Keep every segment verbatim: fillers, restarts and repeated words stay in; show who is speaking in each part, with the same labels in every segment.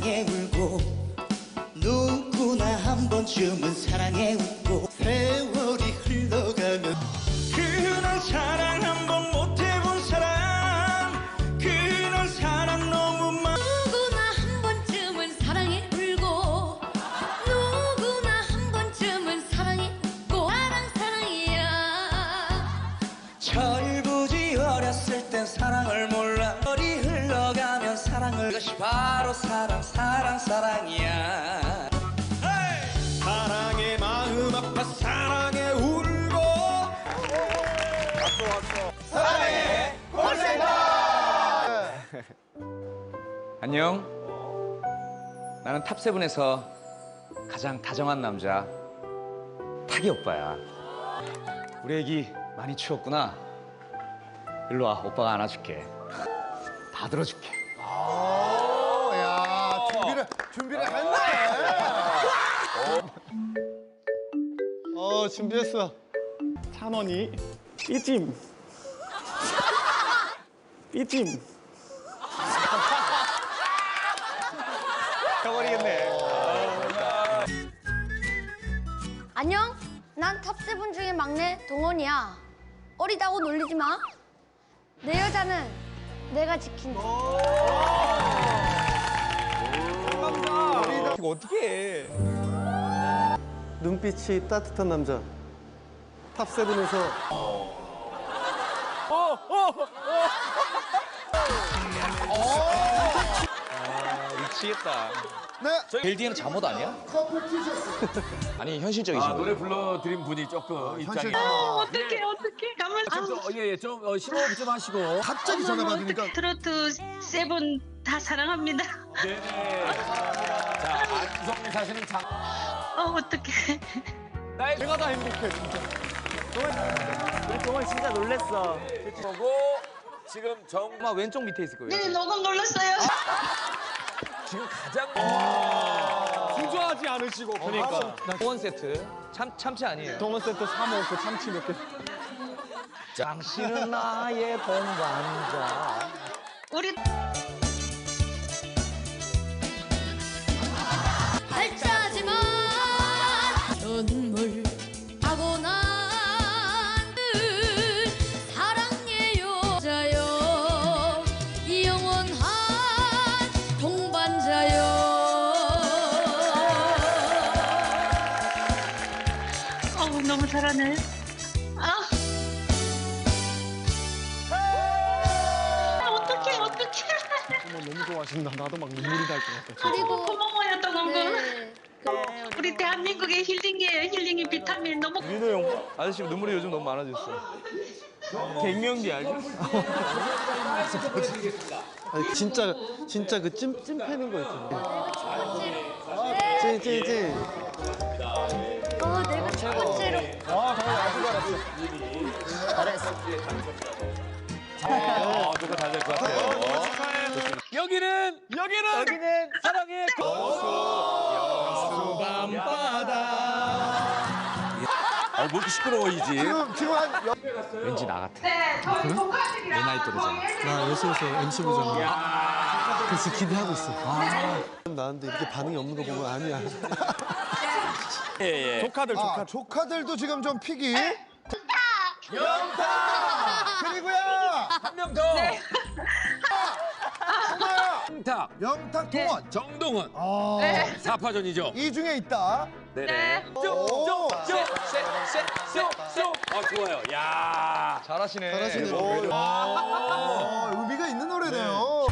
Speaker 1: 사랑에 울고 누구나 한 번쯤은 사랑에 웃고 세월이 흘러가면 그런 사랑 한 번 못 해본 사람 그런 사람 너무 많
Speaker 2: 누구나 한 번쯤은 사랑에 울고 누구나 한 번쯤은 사랑에 웃고 사랑 사랑이야.
Speaker 1: 철부지 어렸을 땐 사랑을 몰라 머리 흘러가면 사랑을 그것이 바로 사랑 사랑 사랑이야.
Speaker 3: 사랑의 마음 아파 사랑에 울고 왔어 왔어 사랑의 콜센터.
Speaker 4: 안녕. 나는 탑세븐에서 가장 다정한 남자 타기 오빠야. 우리 애기 많이 추웠구나. 일로 와, 오빠가 안아줄게. 다 들어줄게.
Speaker 3: 오, 야 준비를 준비를 했네.
Speaker 5: 어 준비했어. 찬원이 삐짐 삐짐
Speaker 4: 해버리겠네.
Speaker 2: 안녕. 난 탑세븐 중에 막내 동원이야. 어리다고 놀리지 마. 내 여자는 내가 지킨다.
Speaker 5: 이거 어떻게 해? 눈빛이 따뜻한 남자. 탑세븐에서
Speaker 4: 미치겠다.
Speaker 3: 네.
Speaker 4: 벨디에는 잠옷 아니야? 아니 현실적이신 거.
Speaker 6: 노래 불러드린 분이 조금 입장이.
Speaker 3: 현실.
Speaker 7: 어떡해 어떡해 가만
Speaker 6: 예예 좀 어, 심호흡 좀 하시고.
Speaker 3: 갑자기 전화 받으니까
Speaker 7: 트로트 세븐 다 사랑합니다.
Speaker 6: 네네. 자 안성 사실은 장.
Speaker 7: 어 어떡해.
Speaker 6: 나의
Speaker 5: 내가 다 행복해 진짜. 우리 동원 진짜 놀랬어.
Speaker 6: 거고 지금 정
Speaker 4: 아마 왼쪽 밑에 있을 거예요.
Speaker 7: 네 너무 놀랐어요.
Speaker 6: 지금 가장.
Speaker 5: 주저하지 않으시고 그러니까.
Speaker 4: 동원 세트. 참 참치 아니에요.
Speaker 5: 동원 세트 사 먹고 참치 몇 개.
Speaker 4: 당신은 나의 동반자.
Speaker 7: 우리
Speaker 2: 발자지만 눈물하고 난 사랑의 여자여 영원한 동반자여.
Speaker 7: 어우 너무 잘하네. 아. 아, 어떡해 어떡해.
Speaker 5: 너무 좋아하신다. 나도 막 눈물이 날 것 같아.
Speaker 7: 그리고 고마워요 동원군.
Speaker 2: 네.
Speaker 7: 우리 대한민국의 힐링이에요. 힐링이 비타민 너무.
Speaker 4: 민호 형. 아저씨 눈물이 요즘 너무 많아졌어. 갱년기 알죠?
Speaker 5: 아니 진짜 진짜 그 찜 찜 패는 거 있잖아. 찜찜찜.
Speaker 2: 어, 내가 첫 번째로.
Speaker 6: 어 누가 잘 될 것 같아요. 여기는 여기는 여기는 사랑의 여수 밤바다. 아뭐 이렇게 시끄러워이지.
Speaker 3: 지금 지금 한 여...
Speaker 4: 왠지 나 같아.
Speaker 7: 네, 저희
Speaker 4: 내 나이 또래잖아.
Speaker 5: 나 여수에서 엠씨 보잖아. 그래서 기대하고 있어. 아. 나한테 이렇게 반응이 없는 거 보면 아니야.
Speaker 6: 예, 예.
Speaker 5: 조카들
Speaker 3: 아,
Speaker 5: 조카.
Speaker 3: 조카들도 지금 좀 픽이.
Speaker 6: 영탁
Speaker 3: 그리고요.
Speaker 6: 한 명 더. 영탁
Speaker 3: 영탁 동원.
Speaker 6: 정동원
Speaker 3: 아,
Speaker 6: 사파전이죠.
Speaker 3: 이 중에 있다.
Speaker 6: 네네.
Speaker 3: 오.
Speaker 6: 쏙쏙쏙쏙쏙. 아 좋아요. 야.
Speaker 4: 잘하시네.
Speaker 5: 잘하시네.
Speaker 3: 오, 아, 의미가 있는 노래네요.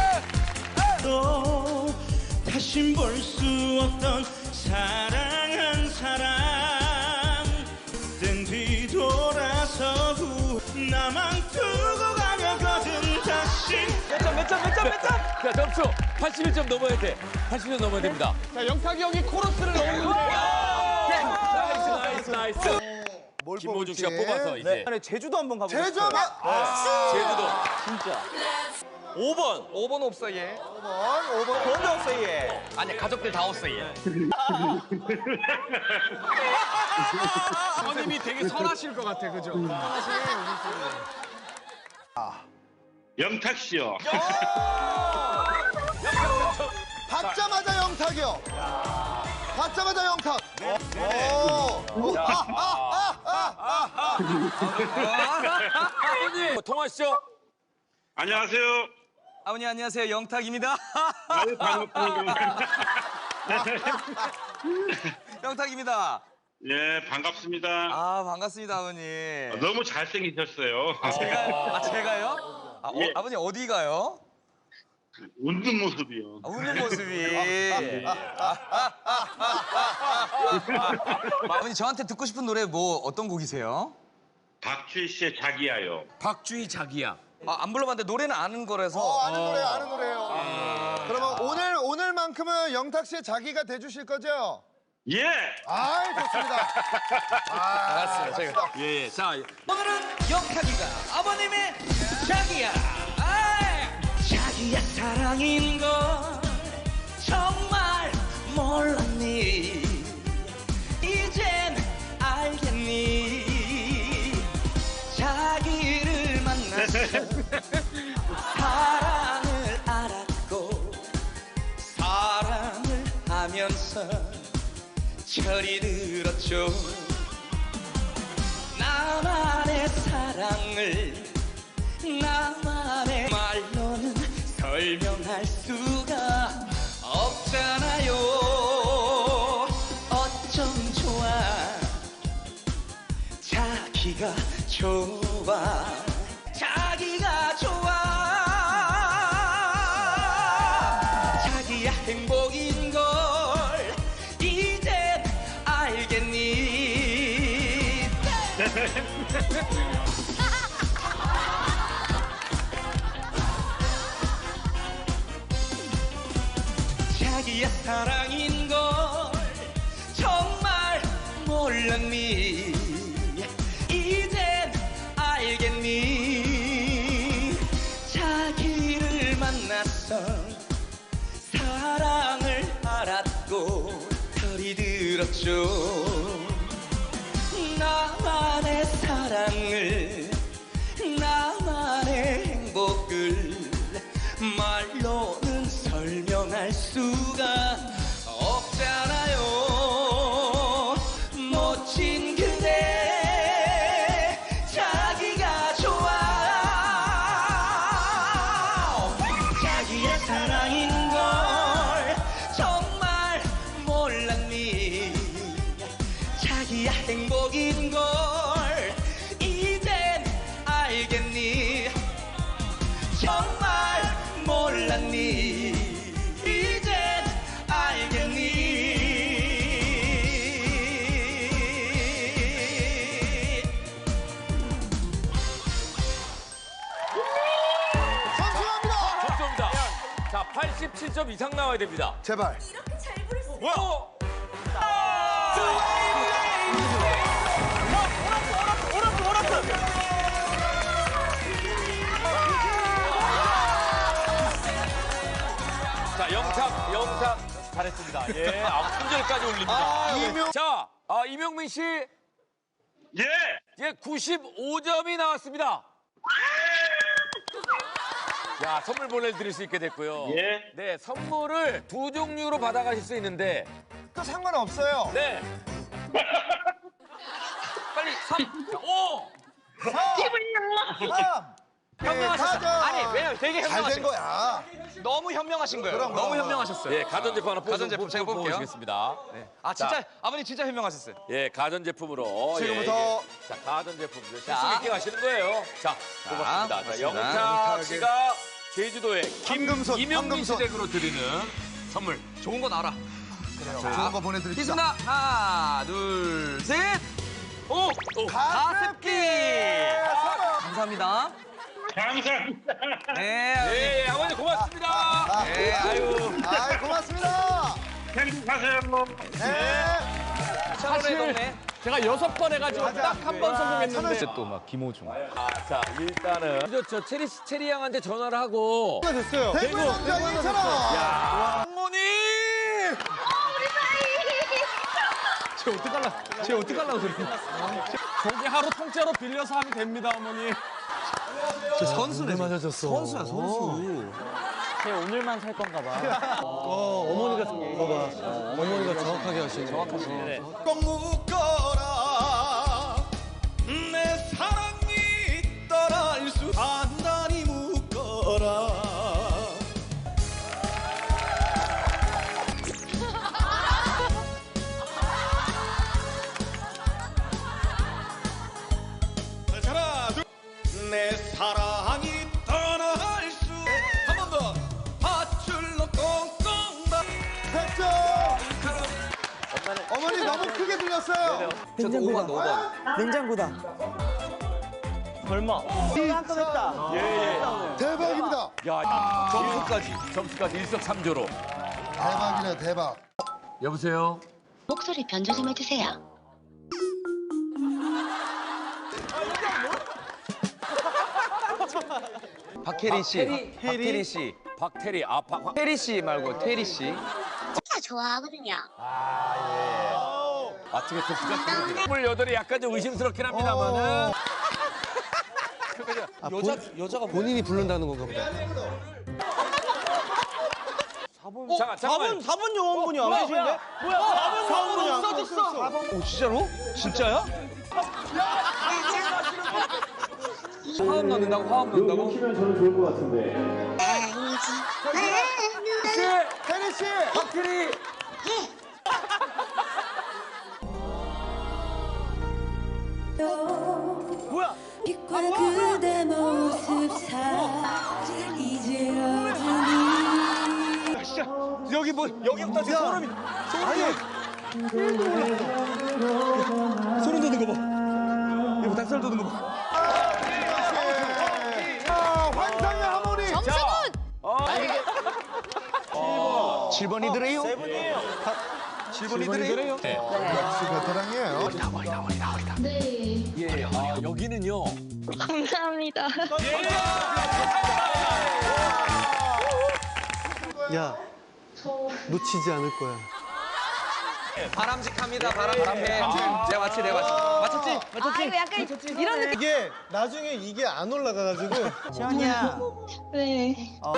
Speaker 1: 또 다신 볼 수 없던 사랑한 사람 땐 뒤돌아서 후 나만 두고 가려거든 다시.
Speaker 6: 몇 점 몇 점 몇 점 몇 점. 자 점수 팔십일 점 넘어야 돼. 팔십 점 넘어야 됩니다.
Speaker 5: 자 영탁이 형이 코러스를 넣었는데.
Speaker 6: 나이스 나이스 나이스.
Speaker 3: 뭘
Speaker 6: 김모중 씨가
Speaker 3: 뽑을지.
Speaker 6: 뽑아서 이제
Speaker 5: 제주도 한번 가보자.
Speaker 3: 제주 한번.
Speaker 6: 제주도.
Speaker 5: 진짜.
Speaker 4: 오 번. 오 번 없어 얘.
Speaker 3: 오 번, 오 번.
Speaker 4: 번도 없어 얘. 아니 가족들 다 없어 얘.
Speaker 5: 선임이 되게 선하실 것 같아, 그죠?
Speaker 8: 영탁 씨요.
Speaker 3: 받자마자 영탁이요. 받자마자 영탁. 오. 아, 아, 아, 아, 아.
Speaker 6: 아버님 통화하시죠.
Speaker 1: 안녕하세요.
Speaker 4: 아버님 안녕하세요. 영탁입니다.
Speaker 1: 아유, 반갑습니다.
Speaker 4: 영탁입니다.
Speaker 1: 예, 반갑습니다.
Speaker 4: 아 반갑습니다 아버님.
Speaker 1: 너무 잘생기셨어요.
Speaker 4: 제가 아 제가요? 아, 어,
Speaker 1: 예.
Speaker 4: 아버님 어디 가요?
Speaker 1: 웃는 모습이요.
Speaker 4: 아, 웃는 모습이. 아버님 저한테 듣고 싶은 노래 뭐 어떤 곡이세요?
Speaker 1: 박주희 씨의 자기야요.
Speaker 6: 박주희 자기야.
Speaker 4: 아, 안 불러봤는데 노래는 아는 거라서.
Speaker 3: 어, 아는 노래, 아는 노래요. 그러면 오늘 오늘만큼은 영탁 씨의 자기가 돼주실 거죠?
Speaker 1: 예.
Speaker 3: 아, 좋습니다.
Speaker 4: 알았어요. 제가.
Speaker 6: 예, 예. 자,
Speaker 4: 오늘은 영탁이가 아버님의 자기야. 아이, 자기야 사랑인 걸 정말 몰랐니? 이젠 알겠니? 자기를 만났어 사랑을 알았고 사랑을 하면서 철이 들었죠. 나만의 사랑을 나만의 말로는 설명할 수가 없잖아요. 어쩜 좋아 자기가 좋아 자기가 좋아 자기야 행복인 걸 이젠 알겠니? 자기야 사랑인 걸 정말 몰랐니? 이젠 알겠니? 자기를 만났어 사랑을 알았고 철이 들었죠. 나만의 사랑을 나만의 행복을 말로는 설명할 수가 없잖아요. 멋진 그대 자기가 좋아 자기의 사랑인 걸 정말 몰랐니? 자기야 행복인 걸 이젠 알겠니? 정말 몰랐니? 이젠 알겠니?
Speaker 3: 선수합니다.
Speaker 6: 점수입니다. 자, 팔십칠 점 이상 나와야 됩니다.
Speaker 3: 제발.
Speaker 6: 어? 자, 영탁, 영탁 잘했습니다. 예, 아, 품절까지 올립니다.
Speaker 3: 이명.
Speaker 6: 자, 아, 이명민 씨,
Speaker 1: 예.
Speaker 6: 예, 구십오 점이 나왔습니다. 야, 선물 보내드릴 수 있게 됐고요.
Speaker 1: 예.
Speaker 6: 네, 선물을 두 종류로 받아가실 수 있는데,
Speaker 3: 그 상관없어요.
Speaker 6: 네. 빨리 삼, 오.
Speaker 3: 삼.
Speaker 4: 현명하셨어요. 아니 왜냐면 되게
Speaker 3: 잘된
Speaker 4: 현명하신 거예요.
Speaker 3: 거야.
Speaker 4: 너무 현명하신 거예요.
Speaker 3: 그럼,
Speaker 4: 너무
Speaker 3: 그럼.
Speaker 4: 현명하셨어요.
Speaker 6: 예, 가전제품 하나
Speaker 4: 가전제품 제가 뽑을게요.
Speaker 6: 보시겠습니다.
Speaker 4: 아 진짜
Speaker 6: 자.
Speaker 4: 아버님 진짜 현명하셨어요.
Speaker 6: 예, 가전제품으로.
Speaker 3: 지금부터.
Speaker 6: 예, 예. 자, 가전제품. 실수
Speaker 4: 자.
Speaker 6: 있게 가시는 거예요. 자, 뽑았습니다. 자,
Speaker 4: 뽑았습니다.
Speaker 6: 영탁 씨가 제주도에
Speaker 3: 황금손,
Speaker 6: 이명민 씨
Speaker 3: 황금손.
Speaker 6: 댁으로 드리는 선물.
Speaker 4: 좋은 건 알아.
Speaker 3: 좋은 거 보내드립니다.
Speaker 4: 있습니다. 하나, 둘, 셋. 오, 오
Speaker 3: 가습기.
Speaker 4: 감사합니다.
Speaker 1: 감사합니다.
Speaker 4: 네,
Speaker 6: 예, 예, 아버님 고맙습니다.
Speaker 4: 네, 아유.
Speaker 3: 아이, 고맙습니다.
Speaker 1: 행복하세요.
Speaker 3: 네.
Speaker 4: 사실 동네.
Speaker 6: 제가 여섯 번 해가지고
Speaker 3: 맞아.
Speaker 6: 딱 한 번 성공했는데.
Speaker 4: 또 막 김호중.
Speaker 6: 아, 자, 일단은 저, 저 체리 체리 양한테 전화를 하고.
Speaker 3: 됐어요. 대구 남자 이천 원.
Speaker 6: 어머니!
Speaker 4: 쟤 어떡할라? 쟤 어떡할라고 그래?
Speaker 6: 저기 하루 통째로 빌려서 하면 됩니다, 어머니.
Speaker 4: 저 선수네.
Speaker 5: 맞아졌어.
Speaker 4: 선수야, 선수. 쟤 오늘만 살 건가 봐.
Speaker 5: 어, 어머니가 봐봐. 어머니가 정확하게 하시네.
Speaker 4: 정확하시네.
Speaker 8: 꼭 묶어라 내 사랑이 떠날 수 단단히 묶어라 하나 둘 내 사랑이 떠날 수 한 번 더 밧줄로 꽁꽁 다
Speaker 3: 백 점. 어머니 너무 크게 들렸어요.
Speaker 4: 냉장고다. 오번, 오번.
Speaker 9: 냉장고다.
Speaker 4: 설마.
Speaker 9: 깜깜했다.
Speaker 3: 대박입니다.
Speaker 6: 야, 점수까지, 점수까지 일석삼조로.
Speaker 3: 대박이네 대박.
Speaker 6: 여보세요?
Speaker 7: 목소리 변조 좀 해주세요.
Speaker 4: 박혜린 씨. 박혜린 씨.
Speaker 6: 박태리, 아, 박, 박.
Speaker 4: 태리 씨 말고 태리 씨.
Speaker 7: 진짜 좋아하거든요.
Speaker 6: 마트게 토스가 스물여덟이 약간 좀 의심스럽긴 합니다만은.
Speaker 5: 아, 여자, 여자가 본인이 부른다는 건가 보다.
Speaker 6: 잠깐, 잠깐만.
Speaker 9: 사 번 요원분이 안 계신데? 뭐야? 사 번 요원분이 안 계셨어.
Speaker 4: 오 진짜로? 진짜야? 화음 넣는다고? 화음 넣는다고?
Speaker 3: 혜리 씨.
Speaker 4: 박혜리.
Speaker 9: 뭐야?
Speaker 2: 빛과 그대 모습 사 이제 어둠이
Speaker 9: 진짜 여기 뭐 여기부터 지금 소름이 소름이 소름 돋는 거 봐. 이거 닭살 돋는 거 봐.
Speaker 3: 자 환상의 하모니.
Speaker 4: 칠 번이더래요?
Speaker 9: 세 분이에요.
Speaker 4: 칠 번이더래요?
Speaker 3: 역시 베테랑이에요.
Speaker 6: 예, 아, 여기는요.
Speaker 7: 감사합니다.
Speaker 5: 야, 놓치지 않을 거야.
Speaker 4: 바람직합니다. 바람직해. 내가 맞지, 내가 맞지. 맞췄지?
Speaker 2: 아 이거 약간 이런 느낌
Speaker 5: 이게 나중에 이게 안 올라가가지고.
Speaker 9: 지원이야.
Speaker 7: 네.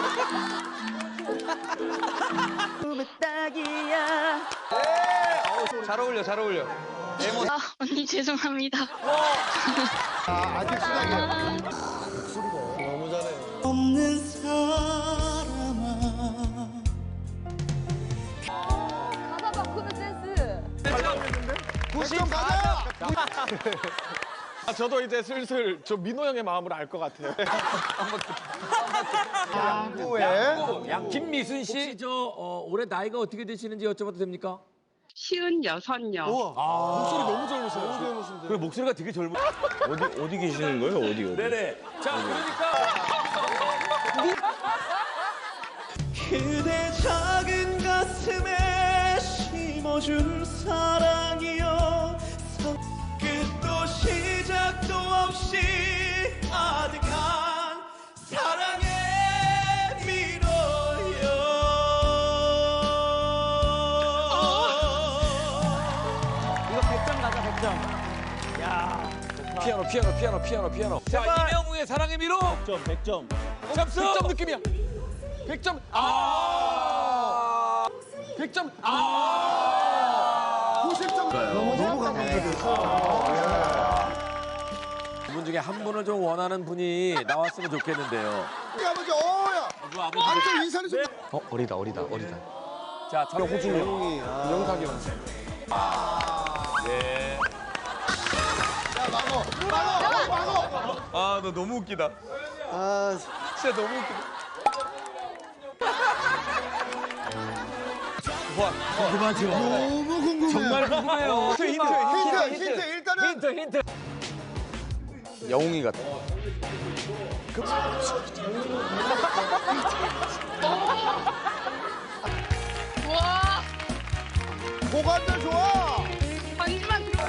Speaker 9: 딱이야.
Speaker 4: 잘 어울려, 잘 어울려.
Speaker 7: 아, 언니 죄송합니다.
Speaker 3: 아, 아직 시작이에요.
Speaker 5: 너무 잘해.
Speaker 8: 없는 사람아
Speaker 2: 가사 바꾸는 센스
Speaker 3: 백 점 가자.
Speaker 9: 아, 저도 이제 슬슬 저 민호 형의 마음을 알 것 같아요.
Speaker 3: 후에
Speaker 6: 양 김미순 씨, 혹시 저 어, 올해 나이가 어떻게 되시는지 여쭤봐도 됩니까?
Speaker 7: 쉬운 여섯요.
Speaker 9: 목소리 너무 젊으세요. 너무 젊으신데.
Speaker 6: 그 목소리가 되게 젊은.
Speaker 4: 어디, 어디 계시는 거예요? 어디, 어디?
Speaker 6: 네네. 자, 그러니까.
Speaker 8: 그대 작은 가슴에 심어준 사랑이여 끝도 시작도 없이 아득한 사랑의 미로여
Speaker 9: 이거 백 점 가자, 백 점. 야.
Speaker 6: 피아노, 피아노, 피아노, 피아노, 피아노. 자, 이명우의 사랑의 미로.
Speaker 9: 백 점, 백 점.
Speaker 6: 점수.
Speaker 9: 백 점 느낌이야. 백 점. 아. 백 점. 아.
Speaker 3: 구십 점. 너무 감동적이었어.
Speaker 6: 두 분 중에 한 분을 좀 원하는 분이 나왔으면 좋겠는데요.
Speaker 3: 우리 아버지 어야. 아버지 인사를 좀.
Speaker 4: 어, 어리다, 어리다, 어리다.
Speaker 6: 자, 저 호중이.
Speaker 5: 영웅이. 아, 영탁이 형.
Speaker 6: 네.
Speaker 3: 자 막어. 막어. 막어.
Speaker 4: 아, 너 너무 웃기다.
Speaker 5: 아,
Speaker 4: 진짜 너무 웃기다.
Speaker 6: 그만 좀.
Speaker 3: 너무 궁금해.
Speaker 6: 정말 궁금해요.
Speaker 4: 힌트, 힌트,
Speaker 3: 힌트, 힌트 일단은
Speaker 6: 힌트, 힌트.
Speaker 4: 영웅이 같아.
Speaker 7: 와,
Speaker 3: 고관절 좋아.
Speaker 7: 반지만 들어.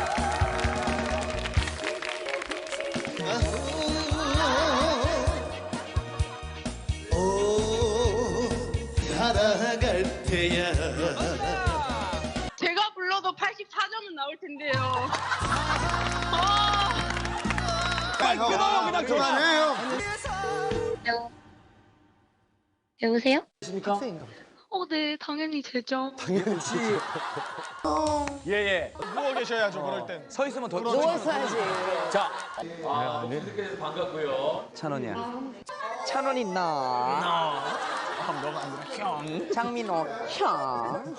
Speaker 8: 살아갈 때야
Speaker 7: 제가 불러도 팔십사 점은 나올 텐데요. 아,
Speaker 3: 끊어요 그냥 그만해요.
Speaker 7: 여보세요?
Speaker 6: 있습니까?
Speaker 7: 어, 네, 당연히 되죠.
Speaker 6: 혹시 예예.
Speaker 3: 누워 계셔야죠, 그럴 땐.
Speaker 4: 서 있으면 더
Speaker 10: 누워서 해야지.
Speaker 6: 자, 아, 이렇게 반갑고요.
Speaker 4: 찬원이야.
Speaker 10: 찬원 있나? 형. 장민호 형.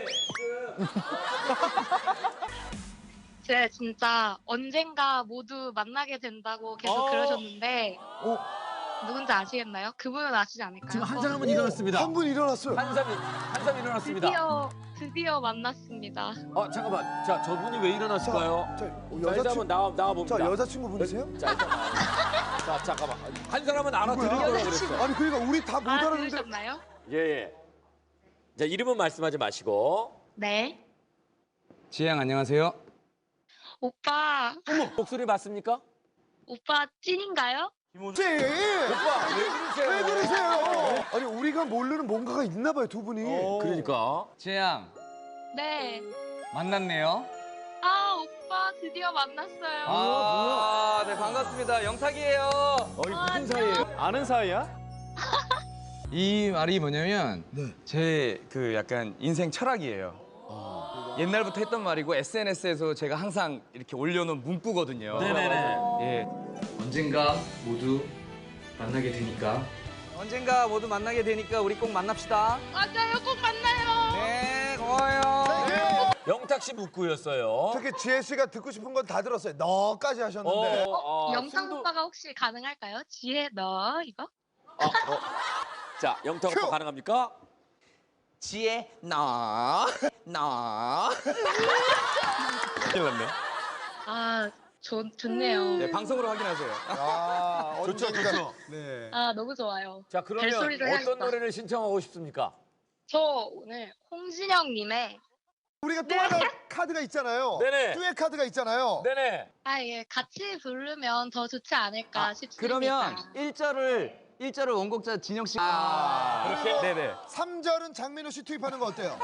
Speaker 7: 제가 진짜 언젠가 모두 만나게 된다고 계속
Speaker 6: 어.
Speaker 7: 그러셨는데 누군지 아시겠나요? 그분은 아시지 않을까요?
Speaker 6: 지금 한 사람은 일어났습니다.
Speaker 3: 한 분 일어났어요.
Speaker 6: 한삼이 한삼 일어났습니다.
Speaker 7: 드디어 드디어 만났습니다.
Speaker 6: 어 잠깐만. 자 저분이 왜 일어났을까요?
Speaker 3: 자,
Speaker 6: 자, 일단
Speaker 3: 여자친구,
Speaker 6: 한번 나와 나와 봅니다.
Speaker 3: 자, 여자친구분이세요?
Speaker 6: 자, 일단 나와요. 자 잠깐만. 한 사람은 알아들은 거라고 그랬어요.
Speaker 3: 아니, 그러니까 우리 다 못
Speaker 7: 아,
Speaker 3: 알았는데.
Speaker 7: 들으셨나요?
Speaker 6: 예 예. 자 이름은 말씀하지 마시고.
Speaker 7: 네.
Speaker 4: 지혜양 안녕하세요.
Speaker 7: 오빠,
Speaker 6: 목소리 맞습니까?
Speaker 7: 오빠 찐인가요?
Speaker 3: 씨!
Speaker 6: 오빠 왜 그러세요?
Speaker 3: 왜 그러세요? 아니, 우리가 모르는 뭔가가 있나 봐요, 두 분이.
Speaker 6: 그러니까.
Speaker 4: 지혜양
Speaker 7: 네.
Speaker 4: 만났네요.
Speaker 7: 아, 오빠 드디어 만났어요.
Speaker 4: 아, 네 반갑습니다. 영탁이에요.
Speaker 6: 어이 무슨 사이예요?
Speaker 4: 아는 사이야? 이 말이 뭐냐면 제 그 약간 인생 철학이에요. 옛날부터 했던 말이고 에스엔에스에서 제가 항상 이렇게 올려놓은 문구거든요.
Speaker 6: 네네네.
Speaker 4: 예. 언젠가 모두 만나게 되니까. 언젠가 모두 만나게 되니까 우리 꼭 만납시다.
Speaker 7: 맞아요, 꼭 만나요.
Speaker 4: 네, 고마워요.
Speaker 6: 영탁 씨 묵구였어요.
Speaker 3: 특히 지혜 씨가 듣고 싶은 건 다 들었어요. 너까지 하셨는데.
Speaker 6: 어, 아,
Speaker 7: 영상
Speaker 6: 승부-
Speaker 7: 오빠가 혹시 가능할까요? 지혜 너 이거?
Speaker 6: 어, 어. 자 영탁 오빠 가능합니까?
Speaker 10: 지혜 나. 나.
Speaker 4: 큰일 났네.
Speaker 7: 아, 좋, 좋네요.
Speaker 4: 네, 방송으로 확인하세요.
Speaker 3: 아,
Speaker 6: 좋죠
Speaker 3: 언젠가.
Speaker 6: 좋죠.
Speaker 3: 네.
Speaker 7: 아, 너무 좋아요.
Speaker 6: 자 그러면
Speaker 7: 벨소리를
Speaker 6: 어떤
Speaker 7: 해야겠다.
Speaker 6: 노래를 신청하고 싶습니까?
Speaker 7: 저 오늘 홍진영님의
Speaker 3: 우리가 또 하나 카드가 있잖아요.
Speaker 6: 네네.
Speaker 3: 듀엣 카드가 있잖아요.
Speaker 6: 네네.
Speaker 7: 아, 예, 같이 부르면 더 좋지 않을까 싶습니다.
Speaker 4: 그러면 일 절을 일 절을 원곡자 진영 씨. 아,
Speaker 6: 그렇게?
Speaker 4: 네네.
Speaker 3: 삼 절은 장민호 씨 투입하는 거 어때요?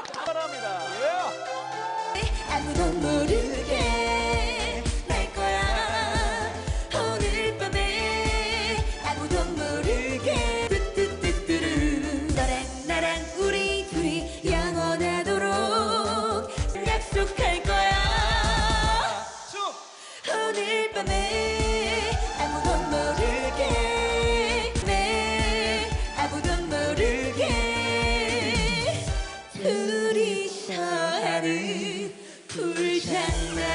Speaker 2: 아무도 모르게 날 거야 오늘 밤에 아무도 모르게 뚜뚜뚜뚜루 너랑 나랑 우리 둘이 영원하도록 약속할 거야 오늘 밤에 아무도 모르게 네 아무도 모르게 둘이서 하는 불장난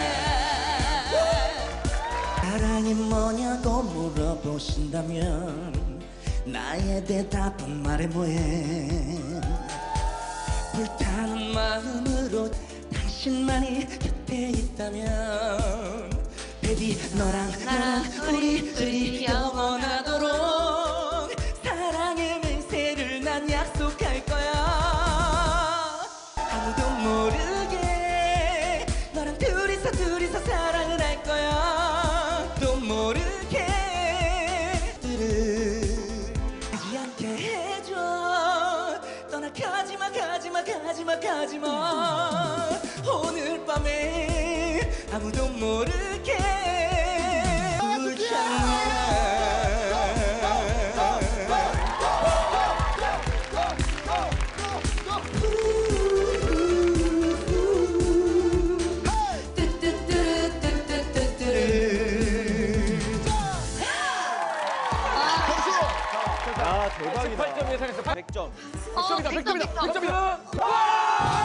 Speaker 8: 사랑이 뭐냐고 물어보신다면 나의 대답은 말해 뭐해 불타는 마음으로 당신만이 곁에 있다면 Baby 너랑 나랑 우리 둘이 영원하도록 사랑의 맹세를 난 약속할 거야 아무도 모르게 너랑 둘이서 둘이서 사랑을 할 거야 또 모르게 들을 하지 않게 해줘 떠나가지마 가지마 가지마 가지마 오늘 밤에 아무도 모르게
Speaker 6: 십팔 점 예상했어. 백 점.
Speaker 7: 어, 백 점, 백 점.
Speaker 6: 백 점이다.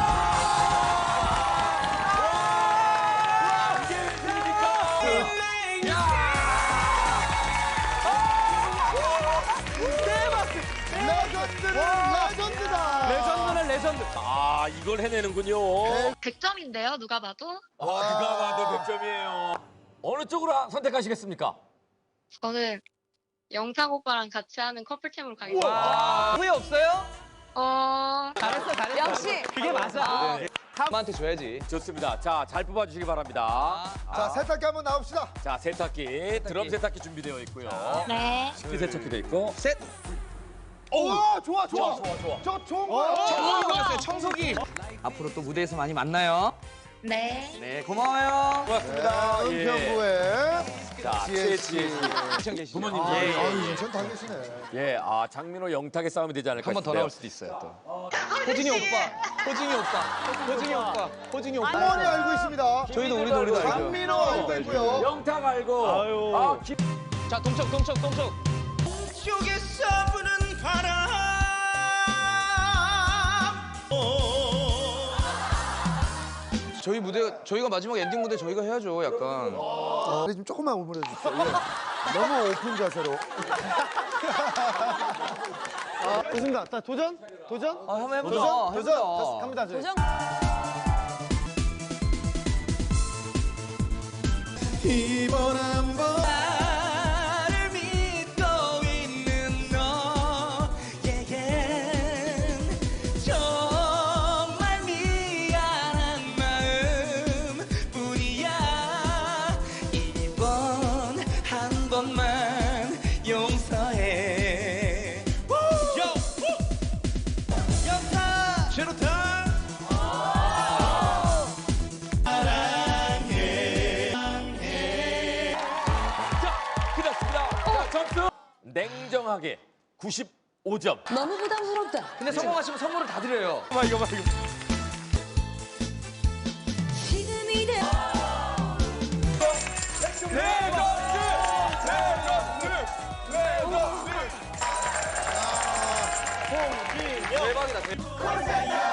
Speaker 3: 레전드는 레전드다.
Speaker 6: 레전드는 레전드. 아 이걸 해내는군요.
Speaker 7: 백 점인데요, 누가 봐도.
Speaker 6: 아 누가 봐도 백 점이에요. 어느 쪽으로 선택하시겠습니까?
Speaker 7: 저는 영탁 오빠랑 같이 하는 커플템으로 가겠습니다.
Speaker 4: 아, 후회 없어요?
Speaker 7: 어,
Speaker 4: 잘했어, 잘했어.
Speaker 10: 역시.
Speaker 4: 그게 맞아. 한한테 줘야지.
Speaker 6: 좋습니다. 자 잘 뽑아주시기 바랍니다.
Speaker 3: 자, 세탁기 한번 나옵시다.
Speaker 6: 자 세탁기, 드럼 세탁기 준비되어 있고요.
Speaker 7: 네.
Speaker 6: 식기 세척기도 있고.
Speaker 4: 셋.
Speaker 3: 오, 좋아, 좋아.
Speaker 6: 좋아 좋아.
Speaker 3: 저 좋은 거야.
Speaker 4: 청소기 받았어요, 청소기. 앞으로 또 무대에서 많이 만나요.
Speaker 7: 네.
Speaker 4: 네, 고마워요.
Speaker 6: 고맙습니다.
Speaker 3: 네,
Speaker 6: 예.
Speaker 3: 은평구에
Speaker 6: 자,
Speaker 3: 지혜
Speaker 6: 지혜 씨.
Speaker 4: 인천 계시죠?
Speaker 6: 부모님
Speaker 3: 아,
Speaker 6: 예.
Speaker 3: 아유, 인천 다 계시네.
Speaker 6: 예, 아 장민호 영탁의 싸움이 되지 않을까
Speaker 4: 한 번 더
Speaker 6: 싶네요.
Speaker 4: 나올 수도 있어요 또. 호진이 오빠, 호진이 오빠, 호진이 오빠, 호진이 오빠.
Speaker 3: 어머니 알고 있습니다.
Speaker 4: 저희도 우리도 우리도 알죠.
Speaker 3: 장민호 알고 있고요.
Speaker 6: 영탁 알고. 아, 김...
Speaker 4: 자 동석, 동석, 동석.
Speaker 10: 쪽에서 부는 바람
Speaker 4: 저희 무대, 저희가 마지막 엔딩 무대 저희가 해야죠, 약간.
Speaker 3: 어, 좀 조금만 오므려 주십시오. 예. 너무 오픈 자세로.
Speaker 5: 아, 좋습니다. 자, 도전? 도전?
Speaker 4: 아, 한번 해보자.
Speaker 3: 도전?
Speaker 4: 해보자.
Speaker 3: 도전? 갑니다, 저희.
Speaker 2: 도전.
Speaker 10: 이번 한번 나를 믿고 있는 너에겐 정말 미안한 마음뿐이야. 이번 한 번만 용서해. 영탁 제로타
Speaker 6: 끝났습니다. 자, 점수 냉정하게 구십오 점.
Speaker 2: 너무 부담스럽다.
Speaker 4: 근데 성공하시면 선물을 다 드려요.
Speaker 6: 이거 봐, 이거 봐, 이거.
Speaker 2: 지금 이대
Speaker 4: 대박이다. 대박.